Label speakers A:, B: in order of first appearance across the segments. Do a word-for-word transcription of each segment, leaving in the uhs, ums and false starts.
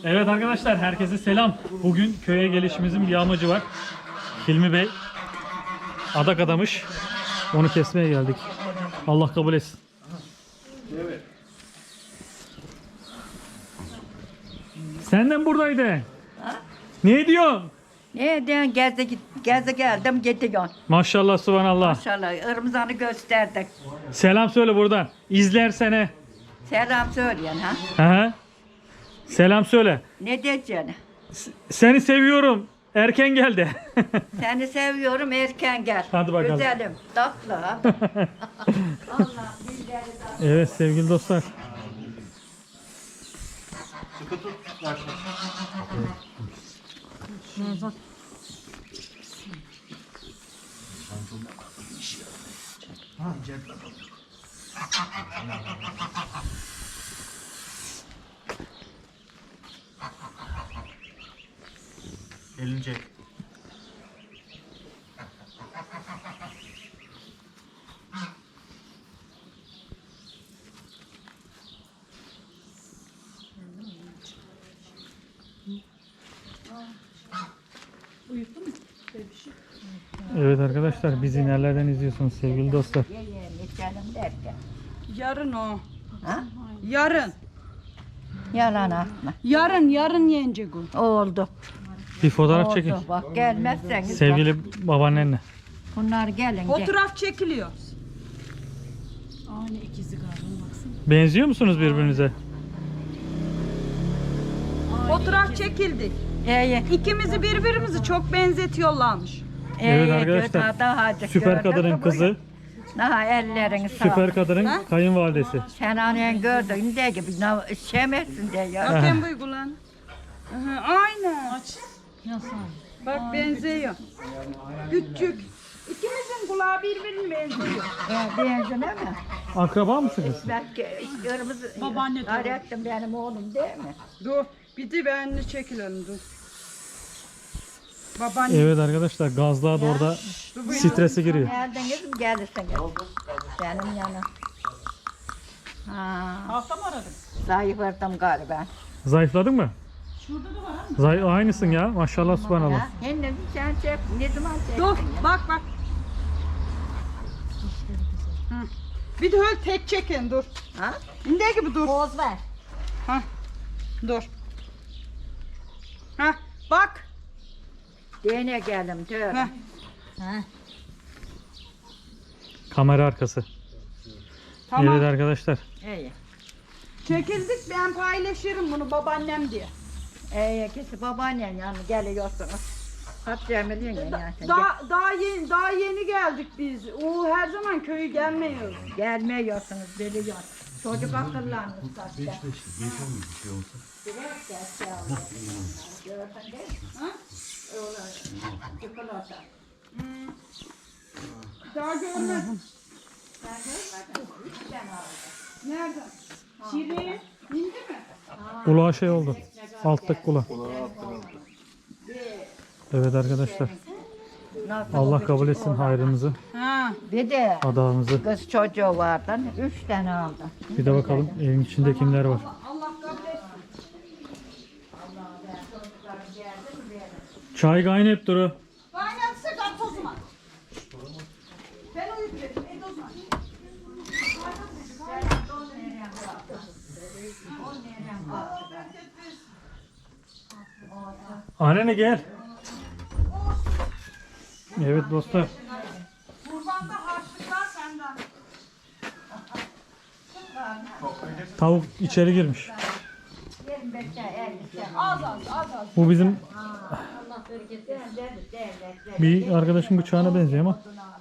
A: Evet arkadaşlar, herkese selam. Bugün köye gelişimizin bir amacı var. Hilmi Bey adak adamış. Onu kesmeye geldik. Allah kabul etsin. Evet. Senden buradaydı.
B: Ha?
A: Ne diyorsun?
B: Ne diyorsun? Gezi, git- gezi geldim gidiyorsun.
A: Maşallah, subhanallah.
B: Maşallah ırmızanı gösterdik.
A: Selam söyle buradan. İzlersene.
B: Selam söyleyen ha.
A: Hı hı. Selam söyle.
B: Ne diyeceksin?
A: Seni seviyorum. Erken geldi.
B: Seni seviyorum erken gel.
A: Hadi bakalım.
B: Güzelim. Tatlı ha. Allah bizleri de-
A: Evet sevgili dostlar.
C: Sıkı tut. Başla. Elini çek.
A: Evet arkadaşlar, bizi nelerden izliyorsunuz sevgili dostlar.
B: Ye ye içelim derken.
D: Yarın o.
B: Ha?
D: Yarın.
B: Yalan atma.
D: Yarın yarın yenecek o.
B: Oldu.
A: Bir fotoğraf
B: Oldu.
A: çekin.
B: Bak gelmezseniz
A: Sevgili babaannenle.
B: bak, bunlar gelin. gel.
D: Fotoğraf çekiliyor.
E: Aynı ikizi galiba baksana.
A: Benziyor musunuz birbirinize?
D: Fotoğraf çekildik.
B: Ye ye.
D: İkimizi birbirimizi çok benzetiyorlarmış.
A: Evet
B: Ye,
A: arkadaşlar,
B: götü daha
A: Süper
B: gördün
A: kadının
B: mü
A: kızı,
B: bunu? Daha ellerini sağ.
A: süper kadının
D: Ha?
A: kayınvalidesi.
B: Sen annen gördün de gibi nav- şemersin de ya.
D: Bakayım uygulan. Aha, aynen.
E: Aç. Yasal.
D: Bak benziyor. Küçük. İkimizin kulağı birbirine benziyor.
B: Ya benzine mi?
A: Akraba mısınız?
B: Belki kırmızı
E: Babaanne de
B: Hayrettin benim oğlum değil mi?
D: Dur. Bir de benimle çekilelim dur. Babaanne.
A: Evet arkadaşlar, gazlığa da orada
D: Dur bu
A: stresi giriyor.
B: Geldiniz mi gelirsiniz. Benim yana. Ha,
E: Hafta mı aradın?
B: zayıfladım galiba.
A: Zayıfladın mı?
E: Şurada da var ha.
A: Zay aynısın ya. Maşallah, subhanallah.
B: Ha, Henüz sen çek, ne zaman çektin?
D: Dur
B: ya?
D: bak bak. Hı. Bir de öyle tek çekin dur.
B: Ha?
D: Ne gibi dur.
B: Poz ver.
D: Ha. Dur. Ha. Bak.
B: Dene gelim, tövbe.
D: Ha.
B: Ha.
A: Kamera arkası.
D: Tamam.
A: Evet arkadaşlar.
B: İyi.
D: Çekildik ben paylaşırım bunu babaannem diye.
B: İyi, ikisi babaannen yanına geliyorsunuz. Kaç milyon ya yani.
D: Daha daha yeni daha yeni geldik biz. O her zaman köyü gelmiyor.
B: Gelmiyorsunuz, biliyor. Çocuk akıllanmış zaten.
C: Beş beş. Beş on bir şey olsa.
B: Biraz geç yavrum. Gördün değil mi?
D: Ha?
B: Öyle. Çikolata.
D: Daha görmedim.
B: Sen görmedin. Üç tane aldım.
D: Nerede? Şirin. İndi mi?
A: Kulağa şey oldu. Alttaki kulağı. Evet arkadaşlar.
B: Nasıl
A: Allah
B: oldu?
A: kabul etsin hayrınızı,
D: Ha.
B: Bir de
A: adağınızı.
B: kız çocuğu vardı. Üç tane aldım.
A: Bir de bakalım evin içinde kimler var.
D: Allah kabul etsin.
A: Çay kaynayıp duru.
D: Kaynatsa kat o zaman. Ben uyuttum. Et o zaman.
A: Annene gel. Evet dostlar.
D: Kurbanda harçlıklar senden.
A: Tavuk içeri girmiş.
B: yirmi beşe elli.
D: Az az az az.
A: Bu bizim bir arkadaşın bıçağına benziyor ama.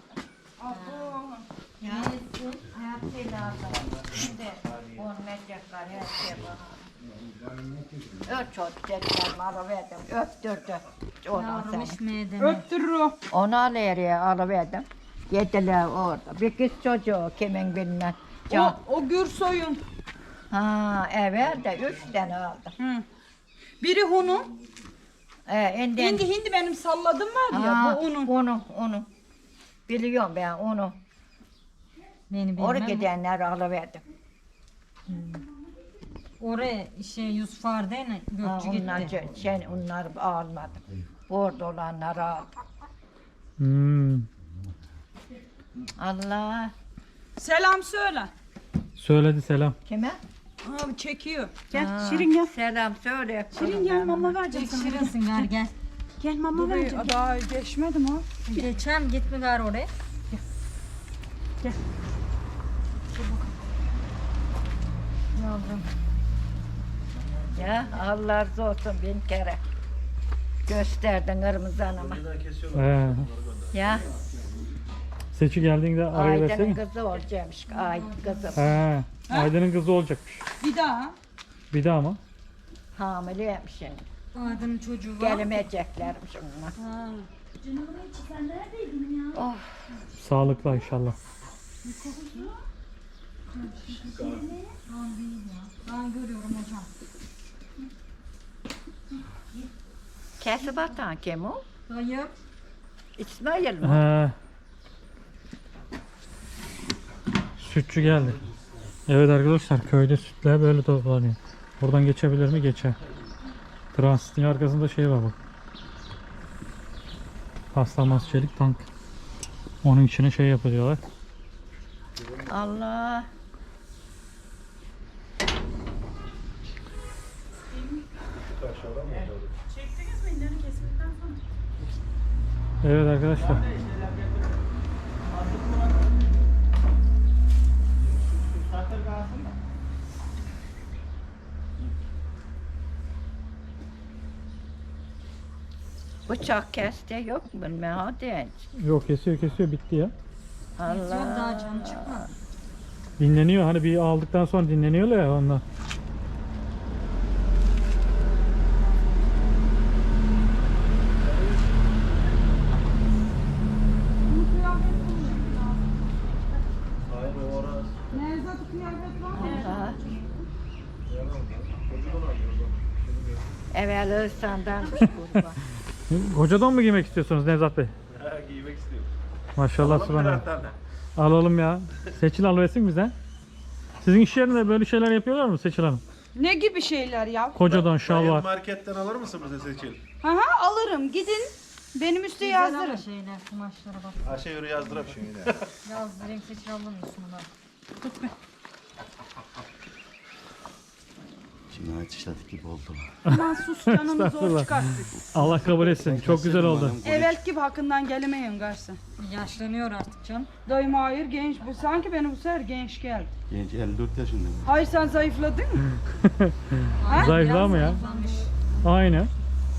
B: Hayatıyla aldım. Şimdi on metrekare her şey var. Ört çocuk tekrar alıverdim. Öptürdü. Ondan sonra.
D: Öptürür o.
B: Onu alıvereye alıverdim. Yediler orada. Bir kız çocuğu kimin bilmem. Can.
D: O, o Gürsoy'un.
B: Ha evet de üç tane aldım.
D: Hı. Biri Hun'un.
B: Ee, enden...
D: Hindi hindi benim salladım vardı ya
B: Ha,
D: bu onun.
B: Onu, onu. Biliyorum ben onu.
E: Beni
B: Oraya gidenler alıverdim.
F: Oraya şey Yusuf Arden'e
B: Ha,
F: gökçü
B: onlar,
F: gitti.
B: ce- şey, onları almadım. Orada olanları aldım.
A: Hmm.
B: Allah.
D: Selam söyle.
A: Söyledi selam.
B: Kime?
D: Abi çekiyor. Gel
B: Ha,
D: Şirin gel.
B: Selam söyle.
D: Şirin gel mama vereceğim
F: Çok
D: sana.
F: şirinsin gar gel.
D: Gel mama vereceğim. Daha geçmedim ha.
F: Geçen gitme gar oraya.
B: Yavrum. Ya Allah razı olsun bin kere. Gösterdin kırmızı hanıma.
A: He.
B: Ya
A: Seçi geldiğinde araya
B: Aydın'ın
A: versene.
B: kızı olacakmış. Ay kızım.
A: He. Aydın'ın kızı olacakmış.
D: Bir daha.
A: Bir daha mı?
B: Hamileymiş şimdi.
F: Adının çocuğu var.
B: Gelemeyeceklermiş onlar.
F: Ha.
B: Oh.
A: Sağlıklı inşallah.
F: Ben görüyorum hocam.
B: Kesip atan kim o?
F: Hayır.
B: İsmail mi?
A: He. Sütçü geldi. Evet arkadaşlar köyde sütler böyle toplanıyor. Buradan geçebilir mi? Geçer. Transitin arkasında şey var bak. Paslanmaz çelik tank. Onun içine şey yapıyorlar.
B: Allah.
A: Evet arkadaşlar.
B: Bıçak kesti yok mu? Bilmem hadi.
A: Yok kesiyor kesiyor bitti ya.
F: Yok daha
B: Allah.
F: canı çıkmadı.
A: Dinleniyor hani bir aldıktan sonra dinleniyorlar ya ondan.
D: Nevzat kıyafet var mı?
B: Allah. Evvel Ihsan'danmış kurban.
A: Kocadan mı giymek istiyorsunuz Nevzat Bey?
C: Giymek istiyorum.
A: Maşallah subhanallah.
C: Birer tane.
A: Alalım ya. Seçil alıversin bize. Sizin iş yerinde böyle şeyler yapıyorlar mı Seçil Hanım?
D: Ne gibi şeyler ya?
A: Kocadan şal
C: Bayan
A: var.
C: marketten alır mısın bize Seçil?
D: Aha alırım. Gidin. Benim üstü
F: Güzel ama
D: yazdırın.
F: şeyler kumaşlara bak.
C: Aşağı yürü yazdırayım şimdi.
F: Yazdırayım seçil alamıyorsun bak.
G: Cinayet işledik gibi oldu.
D: Aman sus canımı zor
A: Estağfurullah.
D: çıkarttık.
A: Allah kabul etsin. Çok güzel oldu.
D: Evvelki gibi hakkından gelemeyin garson.
F: Yaşlanıyor artık can.
D: Dayım hayır genç. Bu sanki benim bu sefer genç geldi.
G: Genç elli dört yaşında.
D: Hayır sen zayıfladın mı?
A: Zayıflar mı ya?
F: Zayıflamış.
A: Aynı.
F: Hı?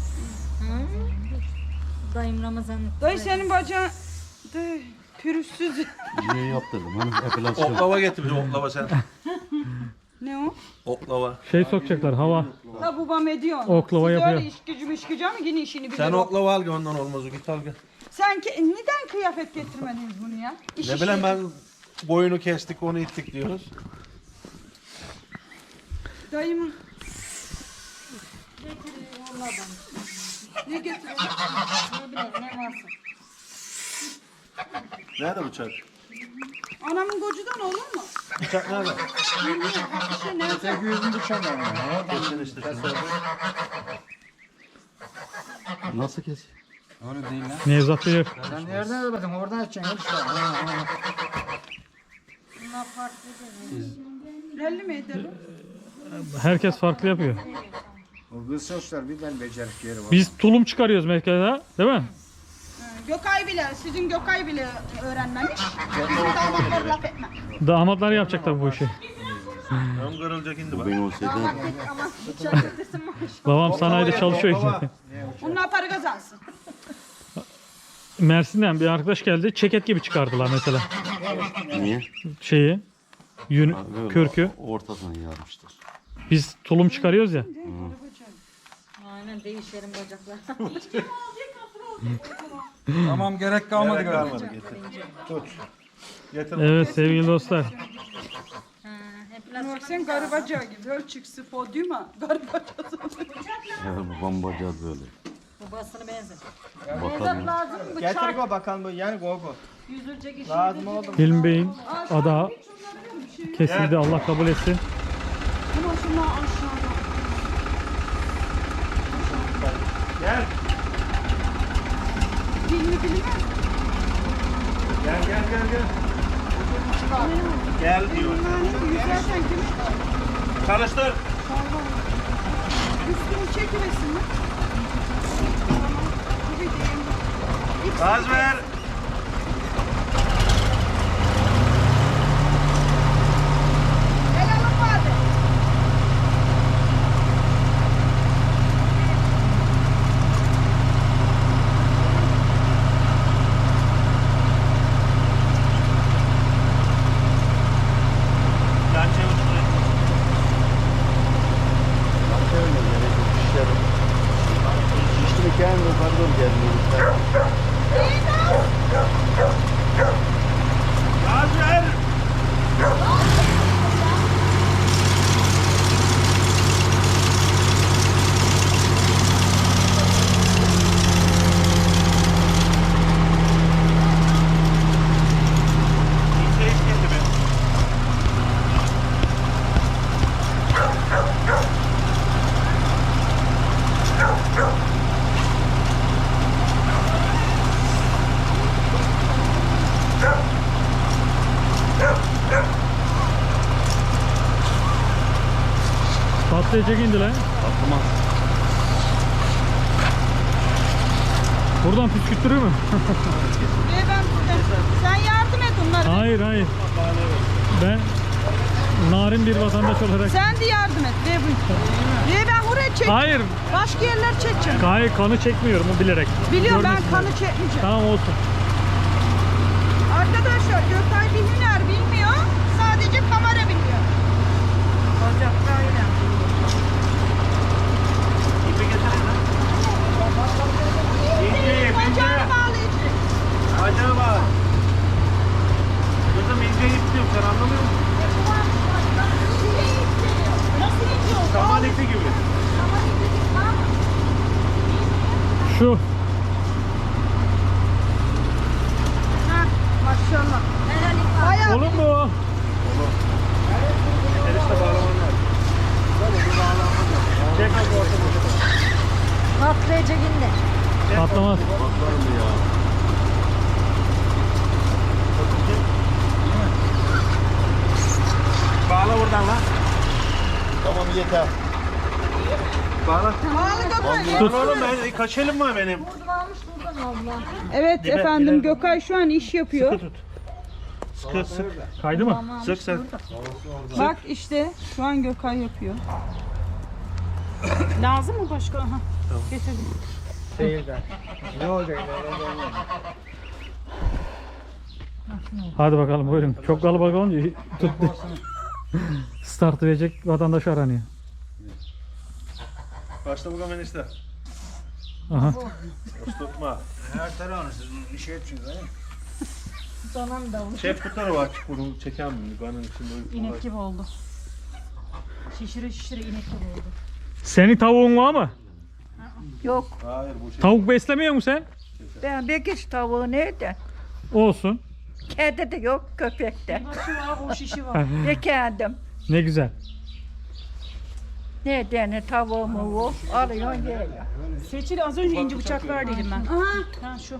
F: Dayım Ramazan'lık.
D: Dayı senin bacağın Dayı, pürüzsüz.
G: Niye yaptırdım? Hani epilasyon.
C: Oklava getir bize oklava sen.
D: Ne o?
C: Oklava.
A: Şey sokacaklar hava.
D: Ha babam ediyor.
A: Oklava
D: Siz
A: yapıyor.
D: öyle iş gücüm iş gücü ama yine işini bilir.
C: Sen
D: o.
C: oklava al gel ondan olmaz o git al gel.
D: Sen ki, neden kıyafet getirmediniz bunu ya? İş
C: Ne
D: işi-
C: bileyim ben boyunu kestik onu ittik diyoruz.
D: Dayımın. Ne getiriyor?
F: Ne bileyim ne varsa.
C: Nerede bıçak?
D: Anamın kocudan olur mu?
C: Bıçak nerede?
D: İşte nerede?
C: Kesin işte.
G: Nasıl kes?
A: Nevzat Bey
H: Sen nereden öğrendin? Oradan açacaksın işte.
F: Bunlar farklı değil.
D: Belli mi edelim?
A: herkes farklı yapıyor.
H: O kız soslar bir tane becerik yeri var.
A: Biz tulum çıkarıyoruz merkezde, değil mi?
D: Gökay bile, sizin Gökay bile öğrenmemiş. Bizim damatlar laf etmez.
A: Damatlar yapacak tabii bu işi.
C: Ön kırılacak indi bak.
G: Ben olsaydı
D: Ama bıçak getirsin maaş.
A: Babam sanayide
C: Oklava
A: çalışıyor
C: getir,
A: şimdi.
D: Onlar para kazansın.
A: Mersin'den bir arkadaş geldi. Ceket gibi çıkardılar mesela.
G: niye?
A: Şeyi. Yün,
G: Ha, böyle
A: kürkü.
G: Ortasına yarmıştır.
A: Biz tulum çıkarıyoruz ya.
F: Aynen değişelim bacaklar.
H: Tamam gerek kalmadı
C: Gerek
H: galiba.
C: kalmadı getir. Tut. Getir.
A: Evet sevgili dostlar.
F: Ha, hep
D: Bak sen garı bacağı gibi. Öl çıksın podyuma. Garı bacağı.
G: Ya babam bacağı böyle.
F: babasına benzer.
G: Bakalım.
D: Lazım mı?
I: Getir go bakalım bu yani go go.
D: Yüzülecek iş.
I: Lazım oldu mu?
A: Hilmi Bey'in adağı kesildi. Allah kabul etsin.
D: Ama Şuna aşağıda.
C: Gel.
D: Dilini bilmez.
C: Gel gel gel gel. Gel diyor.
D: Yani yüzerken kimi?
C: Çalıştır.
D: Üstünü çekivesin mi? Tamam. Bir diyeyim. İlk
C: Gaz ver.
D: el alıp vardı.
C: Yan çevir şurayı.
G: Şişli kendi pardon gelmiyor.
C: Gaz ver. İnce iş geldi be.
A: Patlayacak indi lan.
G: Atlamaz.
A: Buradan püskürttürür mü?
D: Ve ben burada. Sen yardım et onlara.
A: Hayır hayır. Ben narin bir vatandaş olarak.
D: Sen de yardım et. Ve bu. Ve ben buraya çek.
A: Hayır.
D: Başka yerler çekeceğim.
A: Hayır kanı çekmiyorum o bilerek.
D: Biliyorum ben
A: Görmesinler.
D: kanı çekmeyeceğim.
A: Tamam olsun.
D: Arkadaşlar Gökay bir hüner bilmiyor. Sadece kamera biliyor. Bacaklarıyla.
C: İpi getirin lan. İnce ip, ince.
D: Bacağını bağlayacak.
C: Acaba. Kızım ince ip diyorum, sen anlamıyor musun?
D: Nasıl gidiyor?
C: Saman ipi gibi.
A: Şu.
D: Ha, maşallah. Bayağı
A: Olur mu o?
C: Erişte bağlaman lazım. Çek abi ortamı.
F: Patlayacak indi.
A: Patlamaz.
G: Bakar mı ya?
C: Bağla buradan lan.
G: Tamam yeter.
C: Bağla.
D: Bağlı Gökay.
C: Tut. Oğlum ben kaç elim var benim?
F: Buradan almış buradan abla.
D: Evet
C: Dibe,
D: efendim
C: dibe.
D: Gökay şu an iş yapıyor.
C: Sıkı tut. Sıkı sık.
A: Kaydı mı?
C: Sık sen.
D: Bak işte şu an Gökay yapıyor. Lazım mı başka? Aha. Getirdim.
H: Seyirden. Ne olacak?
A: Hadi bakalım buyurun. Çok kalabalık olunca tuttu. Start verecek vatandaş aranıyor.
C: Başla bakalım enişte.
A: Aha.
C: Boş tutma.
H: Her tarafını siz iş yapıyorsunuz değil mi?
F: Donan da olur.
C: Şef tutarı var. Bunu çeken mi? Kanın içinde uyku var.
E: İnek gibi oldu. Şişire şişire inek gibi oldu.
A: Senin tavuğun var mı?
B: Yok.
C: Hayır bu şey.
A: Tavuk beslemiyor musun sen?
B: Ben bir kişi tavuğu nerede?
A: Olsun.
B: Kedi de yok, köpek de.
E: Başı var, o şişi var.
B: Bir kendim.
A: Ne güzel.
B: Nereden tavuğumu o? Alıyorsun geliyor.
E: Seçil az önce ince bıçak ver dedim ben.
D: Aha.
E: Ha şu.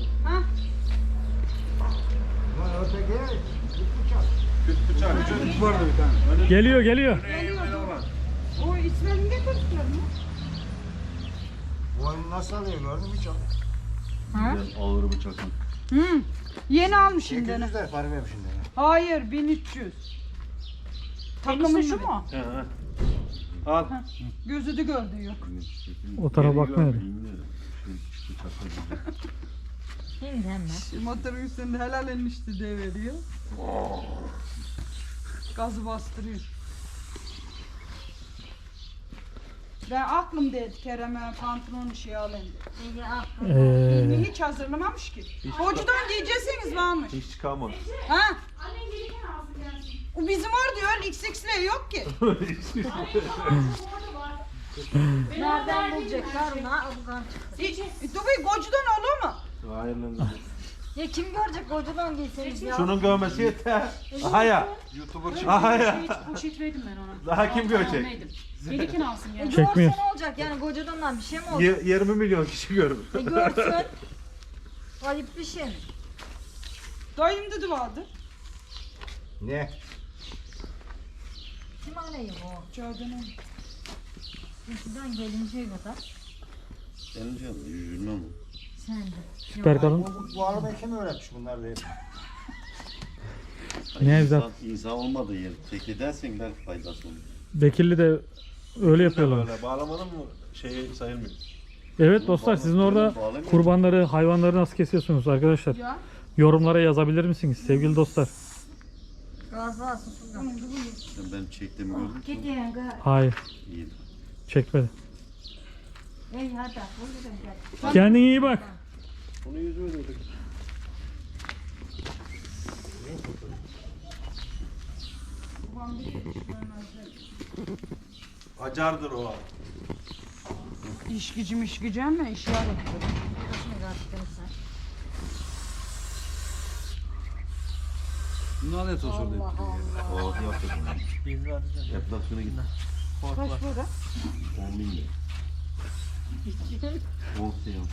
C: Küt bıçak.
H: Vardı bir tane.
A: Geliyor geliyor.
D: O İsmail'in getirdiler mi?
H: Bu oyunu nasıl alıyor gördün mü hiç?
G: Ağır bıçakın.
D: Hı. Yeni almış şimdi.
H: sekiz yüz lira para vermiş şimdi.
D: Hayır bin üç yüz.
E: Enişte şu mu?
C: He, he. Al.
D: Gözü de gördü yok.
A: O tarafa bakmıyor.
F: Şimdi hemen.
D: Motorun üstünde helal enişte de veriyor. Gazı bastırıyor. Ben aklım dedi Kerem'e pantolonu şey alayım dedi.
F: İyi al.
A: Ee,
D: Hiç hazırlamamış ki. Hocadan giyeceksiniz varmış.
C: Hiç çıkamadı.
D: Ha? O bizim orada öyle X X'le yok ki.
F: Nereden bulacaklar ona? Buradan çık.
D: Hiç, dur bir kocadan olur mu?
C: Hayır lan.
F: Ya kim görecek kocadan giyseniz ya.
C: Şunun görmesi yeter. Aha ya.
G: YouTuber çık.
C: Aha ya.
E: Poşet, poşet verdim ben ona.
C: Daha kim görecek?
E: Almaydım. Gelirken alsın
F: E
E: yani.
A: Çekmiyor.
F: görse ne olacak yani kocadan bir şey mi olacak?
C: Y- yirmi milyon kişi görür.
F: E görsün. Ayıp bir şey.
D: Dayım dedi vardı.
H: Ne?
F: Kim arayı bu?
D: Gördün
F: Eskiden gelinceye kadar
G: Senin canın yüzünden mi?
F: sen de.
A: Süper kalın.
H: Bu, bu arabayı kim öğretmiş bunlar diye.
A: Nevzat.
G: İnsan, insan olmadığı yer. Tek edersen belki faydası olur.
A: Bekirli de öyle yapıyorlar.
C: Böyle bağlamanın mı şeyi sayılmıyor.
A: Evet dostlar, sizin orada kurbanları, hayvanları nasıl kesiyorsunuz arkadaşlar?
D: Ya.
A: Yorumlara yazabilir misiniz sevgili dostlar?
F: Gazla susulan.
G: Sen benim çektiğimi gördün mü?
F: Gidiyorsun gaz.
A: Hayır,
G: İyi.
A: çekmedi.
F: Ey hadi buyurun gel.
A: Kendine iyi bak.
C: Onu yüzüme döndük. Acardır o.
D: İş gücüm iş gücüm ne iş var.
G: Bunlar ne tosun dedi? Oh yaptı. Enflasyona gitti.
D: Kaç burada?
G: on bin lira. on seans.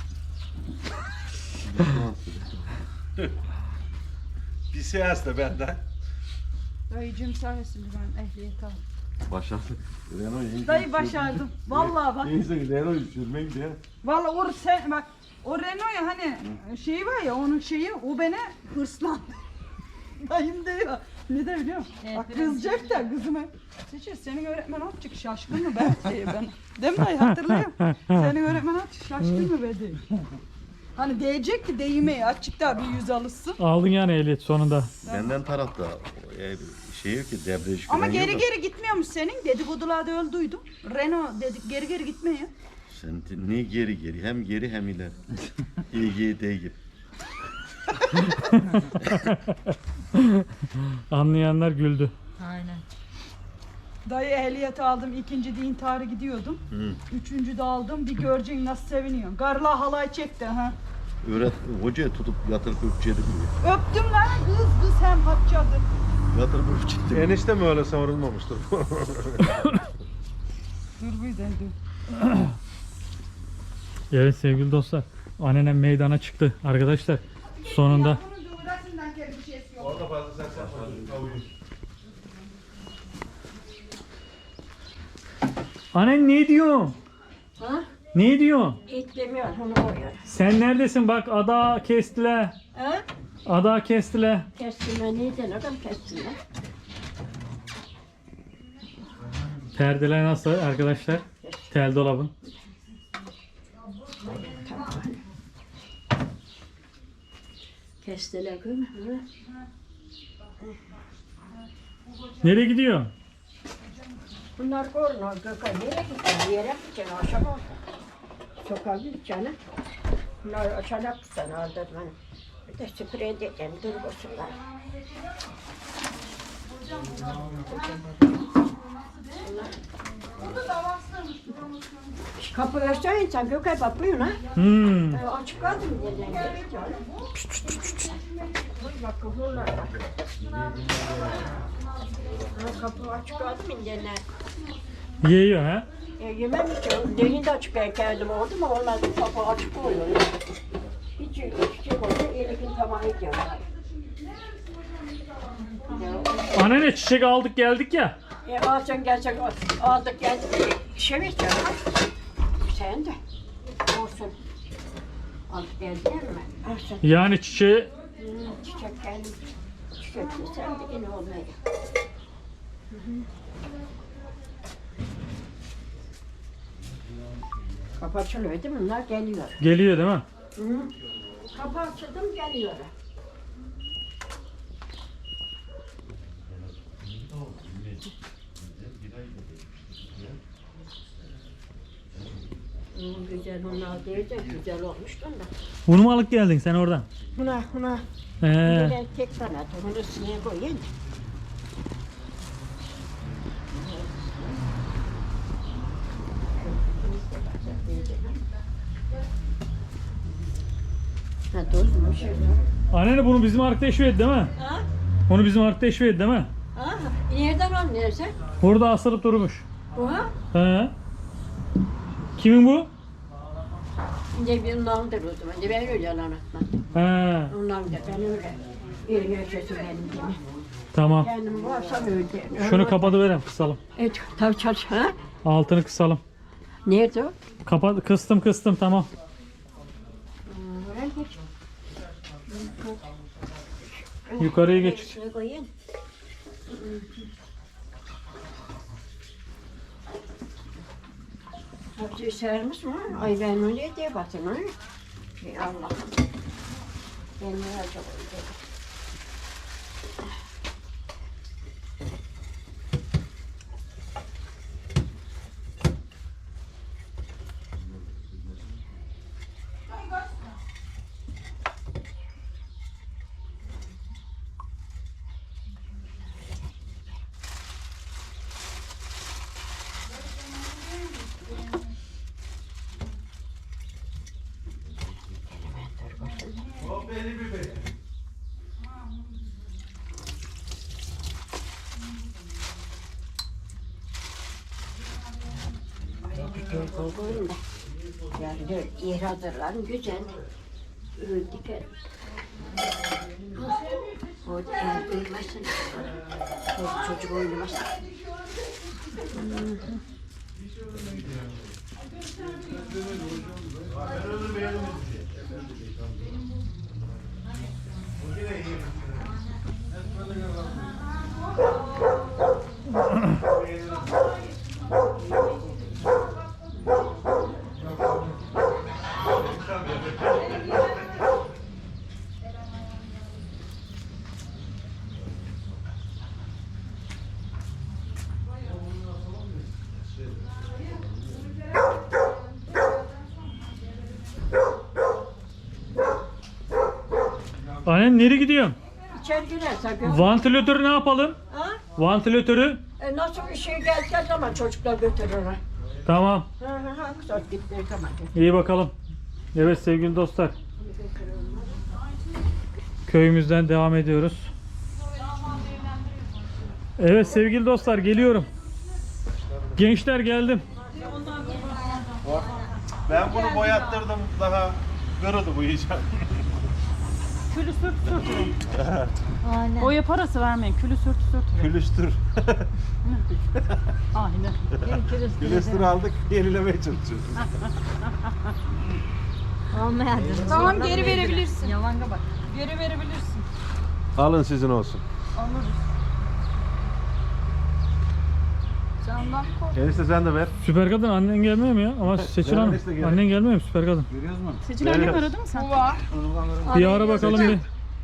C: Bir seans da benden.
D: Dayıcım sayesinde ben ehliyet aldım.
G: Başardık. Renault yeni.
D: Dayı başardım. Vallahi bak.
G: Neyse Renault sürmeye gidiyor.
D: Vallahi o sen bak o Renault ya hani şeyi var ya onun şeyi o beni hırslandı. Dayım diyor. Ne de biliyor musun?
F: Evet,
D: Bak
F: biraz
D: kızacak da kızıma. Seçil senin öğretmen atacak şaşkın mı be diye ben. Değil mi dayı hatırlıyorum. Senin öğretmen atacak şaşkın mı be diye. Hani diyecek ki deyime açık da bir yüz alışsın.
A: Aldın yani ehliyet sonunda.
G: Benden tarafta e, şey yok ki debriyaj
D: Ama
G: fren
D: geri
G: yok.
D: geri gitmiyormuş senin. Dedikodularda öyle duydum. Renault dedik geri geri gitmiyor.
G: Sen de- ne geri geri hem geri hem ileri. İyi gibi değil gibi.
A: Anlayanlar güldü.
F: Aynen.
D: Dayı ehliyeti aldım. İkinci de intiharı gidiyordum.
G: Hı.
D: Üçüncü de aldım. Bir göreceksin nasıl seviniyorsun. Garla halay çekti ha.
G: Öğret hocaya tutup yatırıp öpçedik mi?
D: Öptüm lan kız kız hem hapçadı.
G: Yatırıp öpçedik.
C: Enişte mi öyle savrulmamıştır?
D: Dur bir de dur.
A: Evet sevgili dostlar. Annenem meydana çıktı arkadaşlar. Sonunda.
C: Orada fazla sen sen.
A: Annen ne diyor?
B: Ha?
A: Ne diyor?
B: Et demiyor onu koyuyor.
A: Sen neredesin? Bak ada kestiler.
B: Ha?
A: Ada kestiler.
B: Kestirme neydi adam kestirme.
A: Perdeler nasıl arkadaşlar? Tel dolabın.
B: Kestiler kız.
A: Nereye gidiyor?
B: Bunlar korna gökay nereye gideceksin? Yere gideceksin aşağı bak. Sokağa gideceksin. Bunlar aşağıda tutsan aldı ben. Bir de sprey edeceğim durgusunlar. Kapı açsan insan gökay bakıyor ha.
A: Hmm.
B: Ee, açık kaldı mı diyeceksin? Dur bak kapılar bak. Ha, kapı açık kaldı mı diyeceksin?
A: Yiyor ha?
B: E, yemem ki. Derin de açık ben kendim oldu mu olmaz. Kapı açık oluyor. Hiç hiç şey oluyor. Elikin tamamı ediyor.
A: Anne çiçek aldık geldik ya.
B: E, alsan gelsen aldık geldik. Şey mi istiyorsun? Sen de. Olsun. Aldık geldin mi? Olsun.
A: Yani çiçeği
B: Hmm, çiçek kendim. Çiçek sen de yine olmayı. Kapı açılıyor değil mi? Bunlar geliyor.
A: geliyor değil mi?
B: Hı. Kapı açıldım geliyor. Hmm, güzel onlar değil de güzel olmuş da.
A: Bunu mu alıp geldin sen oradan?
B: Buna buna
A: He.
B: böyle tek tane bunu üstüne koyayım. Ha, tozmuş.
A: Anne bunu bizim arkada eşveydi değil mi?
B: Ha?
A: Onu bizim arkada eşveydi değil mi?
B: Ha? Nereden anlıyorsun?
A: Burada asılıp durmuş.
B: Bu ha?
A: He. Kimin bu?
B: Şimdi bir ondandır o zaman. Ben öyle anlatmadım.
A: He.
B: Ondan da ben öyle. Bir yaşasın benim gibi.
A: Tamam.
B: Kendim varsam öyle.
A: Şunu kapatıverem kısalım.
B: Evet, tabii çalış. Ha?
A: Altını kısalım.
B: Nerede o?
A: Kapat, kıstım kıstım tamam.
B: Oraya geç.
A: Yukarıya geç.
B: Şuraya koyayım. Hadi sermiş mi? Ay ben öyle diye batın ha. Ey Allah. Ben ne acaba? Koyun da. Yani dört yer hazırlarım güzel. Diker. O el duymasın. O çocuk oynamasın.
A: Anne nereye gidiyorsun?
B: İçeri girersen gör.
A: Vantilatörü ne yapalım?
B: Ha?
A: Vantilatörü.
B: E nasıl bir şey geldiği zaman çocuklar götürürler.
A: Tamam.
B: Ha ha ha. Güzel gittiği zaman.
A: İyi bakalım. Evet sevgili dostlar. Köyümüzden devam ediyoruz. Evet sevgili dostlar geliyorum. Gençler geldim.
C: Ben bunu boyattırdım daha kırıldı bu iyice.
E: Külü sürt sürtürün. Boya parası vermeyin. Külü sürt sürtürün.
C: Külüstür.
E: Aynen.
C: Külüstür aldık yenilemeye çalışıyoruz.
F: Olmayan.
D: Tamam geri verebilirsin.
F: Yalanga bak.
D: Geri verebilirsin.
C: Alın sizin olsun.
D: Alırız. Candan kork.
C: Enişte sen de ver.
A: Süper kadın annen gelmiyor mu ya? Ama Seçil Hanım
C: Neresi geliyor?
A: annen gelmiyor mu süper kadın?
E: Seçil annem aradı mı sen?
D: Bu var.
A: Bir ara bakalım bir.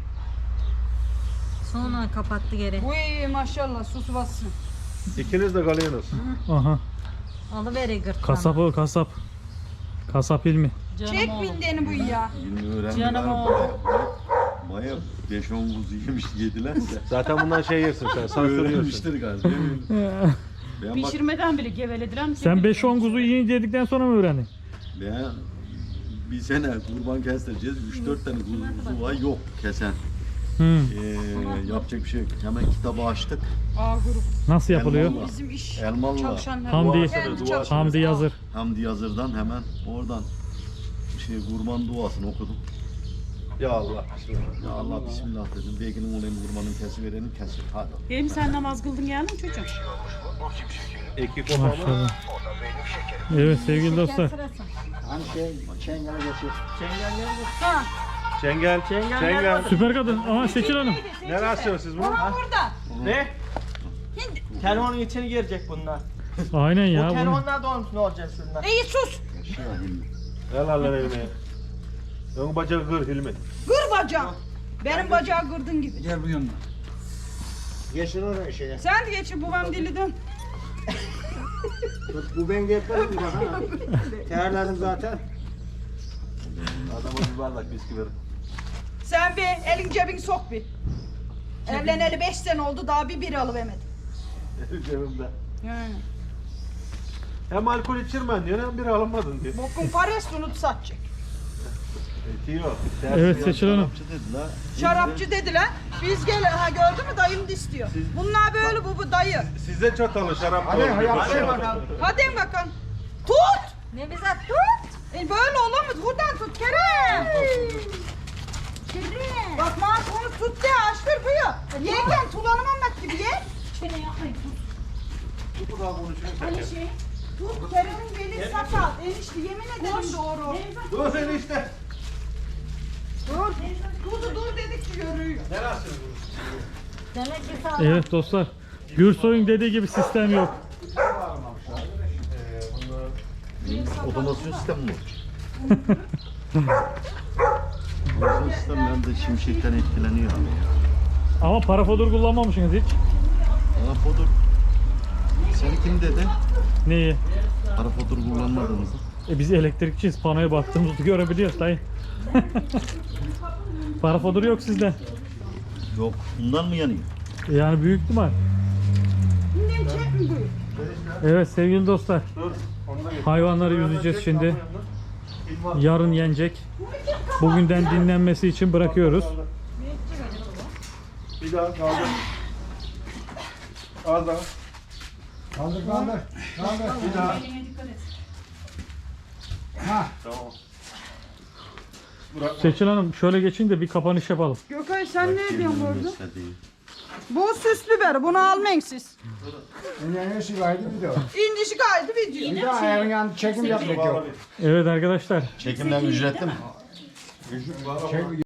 F: Sonra kapattı geri.
D: Bu iyi maşallah sus bassın.
C: İkiniz de kalıyorsunuz.
A: Aha.
F: Alıveri gırtlağına.
A: Kasapı kasap. Kasap ilmi.
E: Canım
D: Çek
E: oğlum.
D: bindeni bu ya.
G: Yirmi öğrenci
E: Canım
G: var.
E: oğlum.
G: Baya beş on kuzu yemiş yediler de.
C: Zaten bundan şey yersin sen. Sansürlüyorsun.
G: Öğrenmiştir galiba. Ben bak,
E: Pişirmeden bile gevelediler mi?
A: Sen beş on kuzu yiyince yedikten sonra mı öğrendin?
G: ben bir sene kurban kestireceğiz. üç dört tane kuzu, kuzu var yok kesen.
A: Hmm.
G: Ee, yapacak bir şey yok. Hemen kitabı açtık.
D: A grup.
A: Nasıl yapılıyor?
G: Elmalı.
D: Bizim iş
G: Elmalı.
D: çalışanlar.
A: Hamdi,
D: Kendi çalışanlar.
A: Hamdi yazır.
G: Hamdi Yazır'dan hemen oradan şey kurban duasını okudum.
C: Ya Allah.
G: Ya Allah bismillah dedim. Belki olayım kurbanın kesi verelim kesir. Hadi.
E: Benim sen namaz kıldın geldin çocuğum.
C: Eki kopama.
A: Maşallah. Evet sevgili dostlar.
H: Hani şey, çengel geçiyor.
C: Çengel. Çengel.
A: Süper kadın. Aha Seçil Hanım.
C: Ne rastlıyorsunuz siz bunu?
D: Burada.
I: Ne? Telefonun içine girecek bunlar.
A: Aynen ya.
I: Bu
A: Bunu.
I: telefonlar dolmuş ne olacak şundan?
D: İyi sus.
C: El Allah elime. Ön bacağı kır Hilmi.
D: Gır bacağım. Benim bacağı gırdın gibi.
H: Gel bu yanına. Geçin oraya şeye.
D: Sen de geçin babam dili dön.
H: Bu ben getiririm bana. Terledim zaten.
C: Adama bir bardak bisküvi verin.
D: Sen bir elin cebini sok bir. Evleneli beş sene oldu daha bir biri alıvermedim.
C: Cebimde.
D: Yani.
C: Hem alkol içirmen diyor hem bir alınmadın diyor.
D: Bokun parası unut satacak.
C: Eti yok.
A: Evet Seçil Hanım.
G: Şarapçı dediler.
D: Şarapçı dediler. Biz gel ha gördün mü dayım da istiyor. Bunlar böyle bu bu dayı.
C: Size çatalı şarap
H: Hadi,
C: doğru.
H: hadi, hadi bakalım.
D: Hadi bakalım. Tut.
F: Ne bize tut.
D: E böyle olamaz. Buradan tut Kerem.
F: Kerem.
D: Bak onu tut de açtır buyur. Yerken tulanamamak gibi ye.
C: Bu da konuşuyor.
D: Tut Kerem'in beli sakat. Enişte yemin ederim doğru.
C: Dur sen işte.
D: Dur. Dur dur dedikçe görüyor.
F: Demek ki sağlam.
A: Evet dostlar. Gürsoy'un dediği gibi sistem yok.
G: Otomasyon sistemi mi? Otomasyon sistemler de şimşekten etkileniyor abi ya.
A: Ama parafodur kullanmamışsınız hiç.
G: Parafodur. Seni kim dedi?
A: Neyi?
G: Parafodur kullanmadığımızı.
A: E biz elektrikçiyiz. Panoya baktığımızda görebiliyoruz dayı. Parafodur yok sizde.
G: Yok. Bundan mı yanıyor?
A: Yani büyük ihtimal.
D: Şimdi çek mi buyur?
A: Evet sevgili dostlar.
C: Dur. Onu da getir.
A: Hayvanları yüzeceğiz şimdi. Yarın yenecek. Bugünden dinlenmesi için bırakıyoruz.
C: Bir daha kaldır. Az daha.
H: Kaldır kaldır. Kaldır.
C: Bir daha.
H: Ha.
C: Tamam. Bırak.
A: Seçil Hanım şöyle geçin de bir kapanış yapalım.
D: Gökay sen ne diyorsun burada?
G: Gösterdiği.
D: Bu süslü beri. Bunu almayın siz.
H: En iyisi kaydı bir de o.
D: İndişi kaydı video.
H: Bir daha ayağın yanında çekim yapmak yok.
A: Evet arkadaşlar.
G: Çekimden ücretli mi?
H: Çek,